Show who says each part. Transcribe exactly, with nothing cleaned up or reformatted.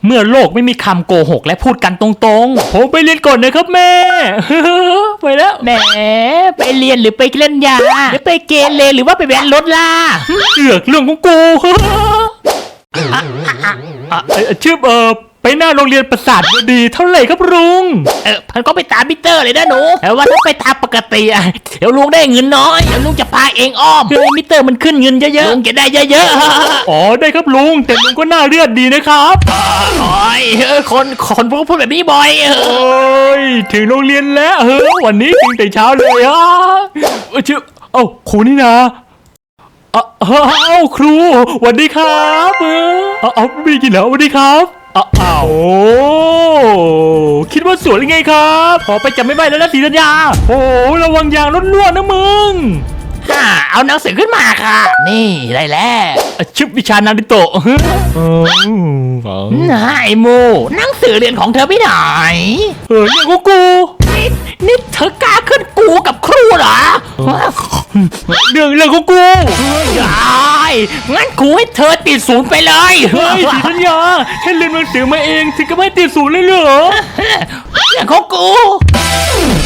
Speaker 1: เมื่อโลกไม่มีคำโกหกและพูดกันตรงๆผมไปเรียนก่อนนะครับแม่ ไปแล้ว
Speaker 2: แหมไปเรียนหรือไปเล่นยาหรือไปเกเรหรือว่าไปแว้นรถล่ะ
Speaker 1: เสือกเรื่องของกู อ่ะเอ่อชื่อเออไปหน้าโรงเรียนประสาทวดีเท่าไหร่ครับลุง
Speaker 2: เออพันก็ไปตามมิเตอร์เลยนะหนูแต่ว่าถ้าไปตามปกติอะเดี๋ยวลุงได้เงินน้อยเดี๋ยวลุงจะพาเองอ้อมเพื่อให้มิเตอร์มันขึ้นเงินเยอะๆลุงจะได้เยอะๆ
Speaker 1: อ๋อได้ครับลุงแต่ลุงก็หน้าเลือดดีนะครับ
Speaker 2: โอ้ยเออคนคนพวกพูดแบบนี้บ่อยเออ
Speaker 1: โอ้ยถึงโรงเรียนแล้วเฮ้ยวันนี้ถึงแต่เช้าเลยอ่ะเอ้ยชื่อเอ้าครูนี่นะเอ้าเอ้าครูสวัสดีครับเออเอาเอาไม่ได้กินแล้วสวัสดีครับอ้าวอ้าวโอ้คิดว่าสวยยังไงครับขอไปจับไม่ได้แล้วนะศรีธัญญาโอ้ระวังยางล้วนๆนะมึง
Speaker 2: ฮ่าเอาหนังสือขึ้นมาค่ะ นี่ได้แล้ว
Speaker 1: ชิบวิชานาริโตะเออ
Speaker 2: นายโมหนังสือเรียนของเธอไม่ไหน
Speaker 1: เออเนี่ยกูกู
Speaker 2: นี่นี่เธอกล้าขึ้นกูกับครูเหรอ
Speaker 1: เรื่องเรื่องกูกู
Speaker 2: ยายงั้นครูให้เธอติดศูนย์ไปเลย
Speaker 1: เฮ้ยศรีธัญญาแค่เรียนหนังสือมาเองถึงก็ไม่ติดศูนย์เลยเหรอ
Speaker 2: เรื่องของกู